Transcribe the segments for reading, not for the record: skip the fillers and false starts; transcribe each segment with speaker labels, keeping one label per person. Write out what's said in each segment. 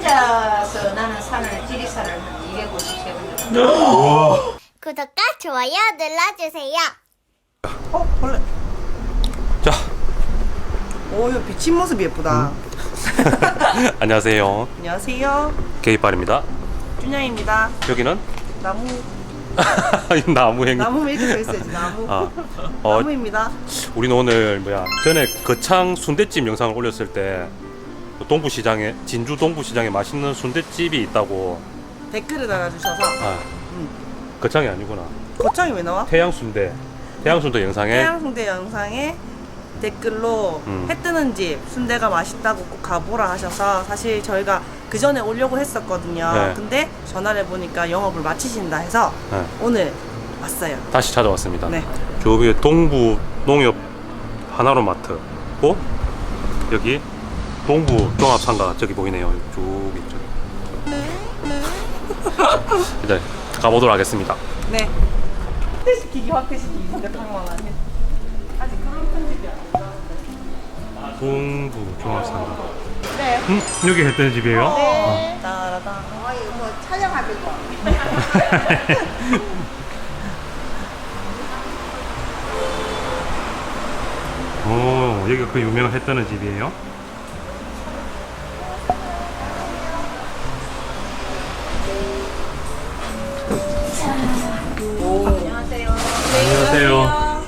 Speaker 1: 혼자서 나는 산을 지리산을 한 250세 정도.
Speaker 2: 우와.
Speaker 3: 구독과 좋아요 눌러주세요.
Speaker 4: 벌레.
Speaker 2: 자,
Speaker 4: 오, 이거 비친 모습이 예쁘다.
Speaker 2: 안녕하세요.
Speaker 4: 안녕하세요.
Speaker 2: 게이빨입니다.
Speaker 4: 준영입니다.
Speaker 2: 여기는
Speaker 4: 나무.
Speaker 2: 나무행.
Speaker 4: 나무 이렇게 써 있어야지. 나무.
Speaker 2: 아,
Speaker 4: 나무입니다.
Speaker 2: 우리는 오늘 전에 거창 순댓집 영상을 올렸을 때 동부시장에 진주 동부시장에 맛있는 순댓집이 있다고.
Speaker 4: 댓글을 달아주셔서
Speaker 2: 거창이 아니구나.
Speaker 4: 거창이 왜 나와?
Speaker 2: 태양순대 영상에
Speaker 4: 태양순대 영상에 댓글로 해 뜨는 집 순대가 맛있다고 꼭 가보라 하셔서 사실 저희가 그 전에 오려고 했었거든요.
Speaker 2: 네.
Speaker 4: 근데 전화를 해보니까 영업을 마치신다 해서
Speaker 2: 네,
Speaker 4: 오늘 왔어요.
Speaker 2: 다시 찾아왔습니다.
Speaker 4: 네.
Speaker 2: 저기 동부 농협 하나로마트고 여기 동부 종합상가 저기 보이네요. 쭉 있죠. 이제 가보도록 하겠습니다.
Speaker 4: 네. 확대시키기 진짜 탕망하네. 아직 그런 편집이 아니라.
Speaker 2: 동부 종합상가.
Speaker 4: 네.
Speaker 2: 여기 했던 집이에요?
Speaker 4: 네. 따라다.
Speaker 1: 뭐 촬영하면서.
Speaker 2: 오, 여기가 그 유명한 했던 집이에요?
Speaker 1: 안녕하세요.
Speaker 2: 안녕하세요.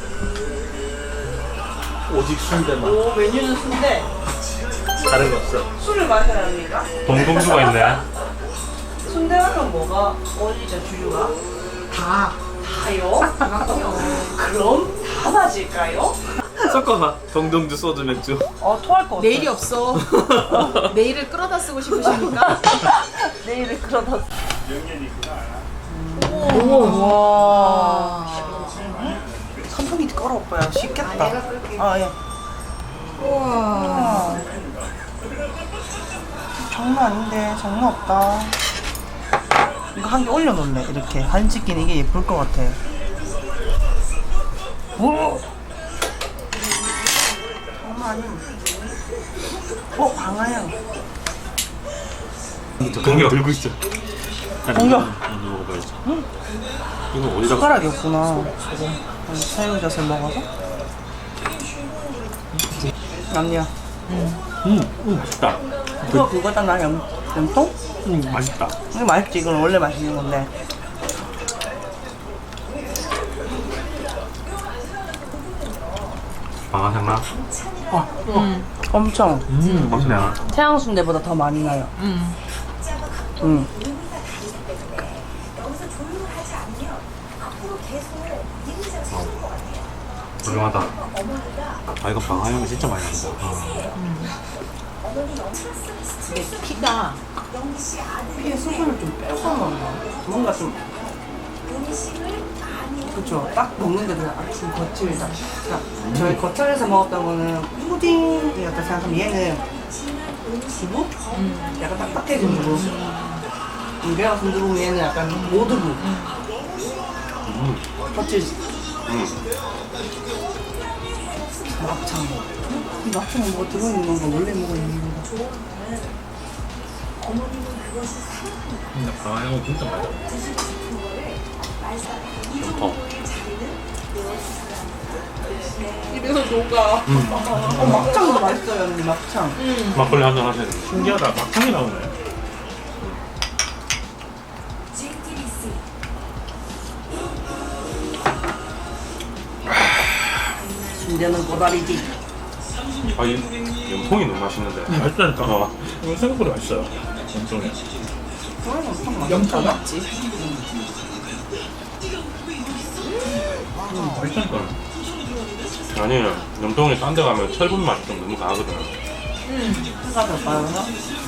Speaker 5: 오직 순대만.
Speaker 4: 오, 메뉴는 순대.
Speaker 5: 다른 거 없어.
Speaker 4: 술을 마셔야 합니까?
Speaker 2: 동동주가 있네.
Speaker 4: 순대하면 뭐가 어울리죠, 주류가? 다요? 그럼 다 맞을까요?
Speaker 5: 섞어봐. 동동주 소주 맥주.
Speaker 4: 토할 것 같아.
Speaker 6: 내일이 없어. 내일을 끌어다 쓰고 싶으십니까?
Speaker 4: 내일을 끌어다.
Speaker 6: 우와.
Speaker 4: 선풍기 꺼라 오빠야. 쉽겠다.
Speaker 1: 내가 그렇게.
Speaker 4: 아 예.
Speaker 6: 우와.
Speaker 4: 장난 아닌데 장난 없다. 이거 한 개 올려놓을래. 이렇게 한치기는 이게 예쁠 것 같아. 오. 장난 아니야. 방아향.
Speaker 5: 동력 들고 있어.
Speaker 4: 동력.
Speaker 5: 먹어봐야지. 이거 어디다가?
Speaker 4: 숟가락이 없구나. 새우젓을 먹어서. 아니야.
Speaker 5: 맛있다.
Speaker 4: 그거다 나 염통?
Speaker 5: 맛있다.
Speaker 4: 이거 맛있지. 이건 원래 맛있는 건데.
Speaker 2: 방아향 나?
Speaker 4: 엄청.
Speaker 2: 맛있네.
Speaker 4: 태양순대보다 더 많이 나요.
Speaker 2: 훌륭하다.
Speaker 5: 아 이거 방아향이 진짜 많이 난다.
Speaker 6: 근데 피가
Speaker 4: 피에 수분을 좀 빼서 먹나? 뭔가 좀. 그쵸. 딱 먹는데 그냥 아침 거칠다. 저희 거철에서 먹었던 거는 푸딩이었다 생각하면 얘는 두부? 약간 딱딱해진 두부. 배가 순두부 얘는 약간 모두부. 거칠지. 막창. 이 막창은 뭐가 들어있는 건가? 원래 뭐가 있는 건가?
Speaker 5: 근데 방아향은 진짜 맛있다.
Speaker 2: 염통.
Speaker 6: 입에서 녹아.
Speaker 4: 막창도 맛있어요, 언니, 막창.
Speaker 2: 막걸리 한잔 하셔야 돼요.
Speaker 5: 신기하다. 막창이 나오네.
Speaker 4: 순대는 고다리지.
Speaker 2: 아, 이 염통이 너무 맛있는데.
Speaker 5: 맛있다니까. 이거 생각보다 맛있어요. 엄청해.
Speaker 4: 염통
Speaker 6: 맞지?
Speaker 5: 맛있다니까.
Speaker 2: 아니, 염통이 딴 데 가면 철분 맛이 좀 너무 강하거든.
Speaker 4: 해가 더 빠져서.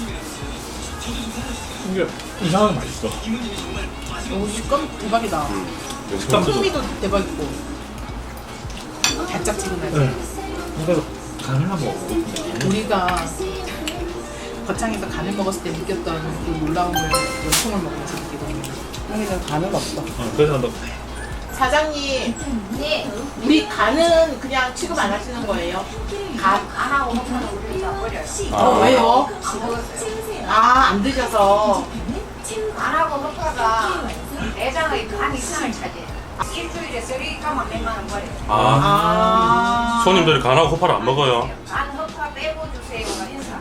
Speaker 5: 이게 이상하게 맛있어.
Speaker 6: 오, 식감 대박이다.
Speaker 2: 염통.
Speaker 6: 풍미도 대박이고. 달짝지근하지.
Speaker 5: 네. 이거 간을 한번 먹어.
Speaker 6: 우리가 거창에서 간을 먹었을 때 느꼈던 그 놀라움을 염통을 먹으면서 느끼거든요.
Speaker 4: 여기는 간은 없어.
Speaker 5: 그래서 너
Speaker 6: 사장님,
Speaker 1: 네.
Speaker 6: 우리 간은 그냥 취급 안 하시는 거예요? 간?
Speaker 1: 안 하고 먹으면 우리 다 버려요.
Speaker 6: 왜요?
Speaker 1: 안 먹었어요.
Speaker 6: 아, 안 드셔서.
Speaker 1: 안 하고 먹다가 내장의 간 이상을 차지해요. 일주일에 쓰리까만 몇만 원 버려요.
Speaker 2: 아, 손님들이 간하고 호파를 안 먹어요.
Speaker 1: 간 허파 빼고 주세요. 인사.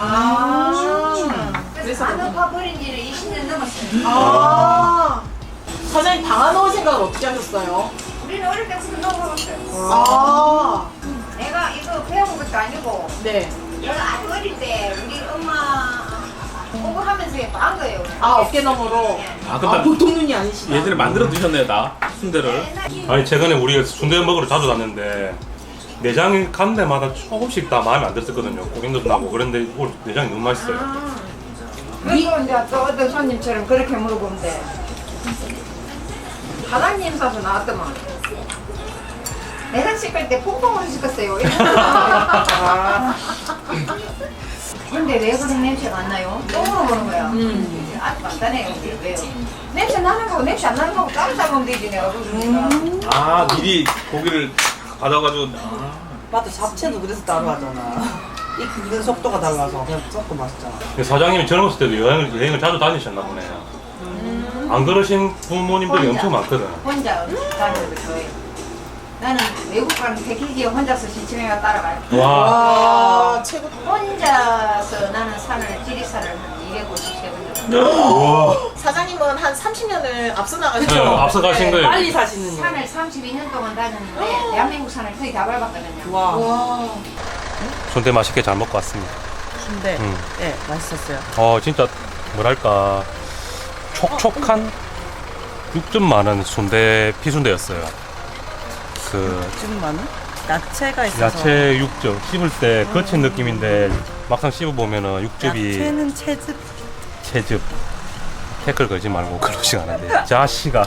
Speaker 6: 아.
Speaker 1: 그래서 간 허파 버린 지는 20년 넘었어요.
Speaker 6: 아. 사장님 방아 넣을 생각을 어떻게 하셨어요?
Speaker 1: 우리는 어릴 때부터 먹어봤어요.
Speaker 6: 아.
Speaker 1: 내가 이거 배운 것도 아니고
Speaker 6: 네.
Speaker 1: 내가 아주 어릴 때 우리 엄마 보고 하면서 한 거예요.
Speaker 6: 아, 어깨너머로.
Speaker 5: 아, 근데
Speaker 6: 보통 눈이 아니시다.
Speaker 5: 예전에 만들어 드셨네요, 나 순대를.
Speaker 2: 아니 최근에 우리가 순대 먹으러 자주 갔는데 내장이 간 데마다 조금씩 다 마음에 안 들었거든요. 고객도 나고 그런데 오늘 내장이 너무 맛있어요.
Speaker 1: 그리고 이제 또 어떤 손님처럼 그렇게 물어보면 돼. 사장님 사서 나왔더만. 내장 씻을 때 퐁퐁으로 씻었어요. 근데 왜 그런 냄새가 안 나요? 똥으로 보는 거야. 아주 간단해요. 왜요? 냄새 나는 거고 냄새 안 나는 거고 따로 잡으면 되지 내가 그러니까.
Speaker 5: 아, 미리 고기를 받아가지고.
Speaker 4: 맞아, 잡채도 그래서 따로 하잖아. 익는 속도가 달라서 그냥 섞어 맛있잖아.
Speaker 2: 근데 사장님이 젊었을 때도 여행을 자주 다니셨나 보네요. 안 그러신 부모님들이
Speaker 1: 혼자.
Speaker 2: 엄청 많거든.
Speaker 1: 혼자 다니는 거 좋아해요. 나는 외국 가는 패키지에 혼자서 시치매가 따라가요.
Speaker 2: 와.
Speaker 6: 아, 최고.
Speaker 1: 혼자서 나는 산을 지리산을 한 253번 정도.
Speaker 2: 우와.
Speaker 6: 사장님은 한 30년을 앞서
Speaker 2: 네,
Speaker 6: 나가셨죠?
Speaker 2: 앞서 가신 거예요.
Speaker 4: 빨리 사시는 거.
Speaker 1: 산을 32년 동안 다녔는데 대한민국 산을 거의 다 밟았거든요.
Speaker 4: 와.
Speaker 6: 와.
Speaker 2: 순대 맛있게 잘 먹고 왔습니다.
Speaker 4: 순대.
Speaker 2: 음.
Speaker 4: 네, 맛있었어요.
Speaker 2: 진짜 뭐랄까 촉촉한 6점 많은 순대 피순대였어요. 그
Speaker 4: 좀 많은? 야채가 있어서.
Speaker 2: 야채 육즙 씹을 때 거친 느낌인데 막상 씹어 보면은 육즙이
Speaker 4: 야채는 채즙.
Speaker 2: 채즙. 태클 걸지 말고 그러지 않은데 자식아.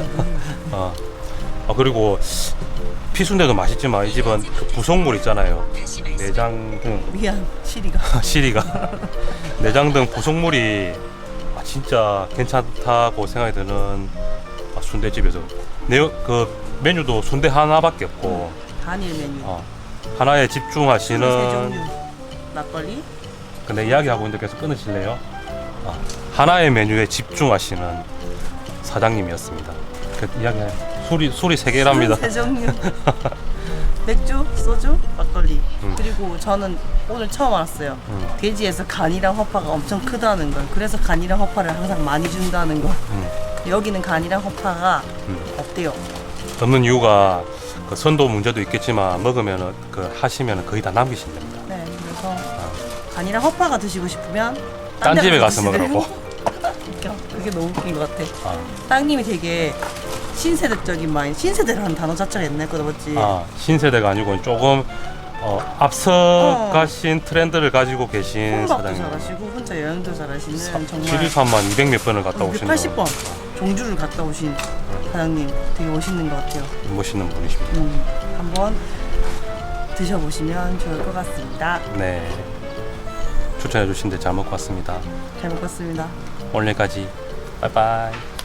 Speaker 2: 그리고 피순대도 맛있지만 이 집은 그 부속물 있잖아요. 내장 등
Speaker 4: 미안, 시리가.
Speaker 2: 시리가 내장 등 부속물이 진짜 괜찮다고 생각이 드는 순대집에서 그 메뉴도 순대 하나밖에 없고
Speaker 4: 단일 메뉴.
Speaker 2: 하나에
Speaker 4: 세
Speaker 2: 집중하시는.
Speaker 4: 종류. 막걸리.
Speaker 2: 근데 이야기하고 있는데 계속 끊으실래요? 하나의 메뉴에 집중하시는 사장님이었습니다. 그 이야기 술이 3개랍니다.
Speaker 4: 세 종류. 맥주, 소주, 막걸리. 그리고 저는 오늘 처음 알았어요. 돼지에서 간이랑 허파가 엄청 크다는 걸. 그래서 간이랑 허파를 항상 많이 준다는 거. 여기는 간이랑 허파가 없대요.
Speaker 2: 없는 이유가 그 선도 문제도 있겠지만 먹으면은 하시면은 거의 다 남기신답니다.
Speaker 4: 네, 그래서 간이랑 허파가 드시고 싶으면
Speaker 2: 딴 집에 가서
Speaker 4: 드시래요.
Speaker 2: 먹으라고.
Speaker 4: 웃겨. 그게 너무 웃긴 것 같아.
Speaker 2: 아,
Speaker 4: 땅님이 되게 신세대적인 마인. 신세대라는 단어 자체가 옛날 거다 맞지?
Speaker 2: 신세대가 아니고 조금 앞서 가신 트렌드를 가지고 계신
Speaker 4: 혼밥도
Speaker 2: 사장님.
Speaker 4: 잘하시고 혼자 여행도 잘하시는 정말
Speaker 2: 지리산만 200몇 번을 갔다 오신
Speaker 4: 280번 종주를 갔다 오신 사장님 되게 멋있는 것 같아요.
Speaker 2: 멋있는 분이십니다.
Speaker 4: 한번 드셔보시면 좋을 것 같습니다.
Speaker 2: 네, 추천해 주신 데 잘 먹고 왔습니다.
Speaker 4: 잘 먹었습니다.
Speaker 2: 오늘까지 빠이빠이.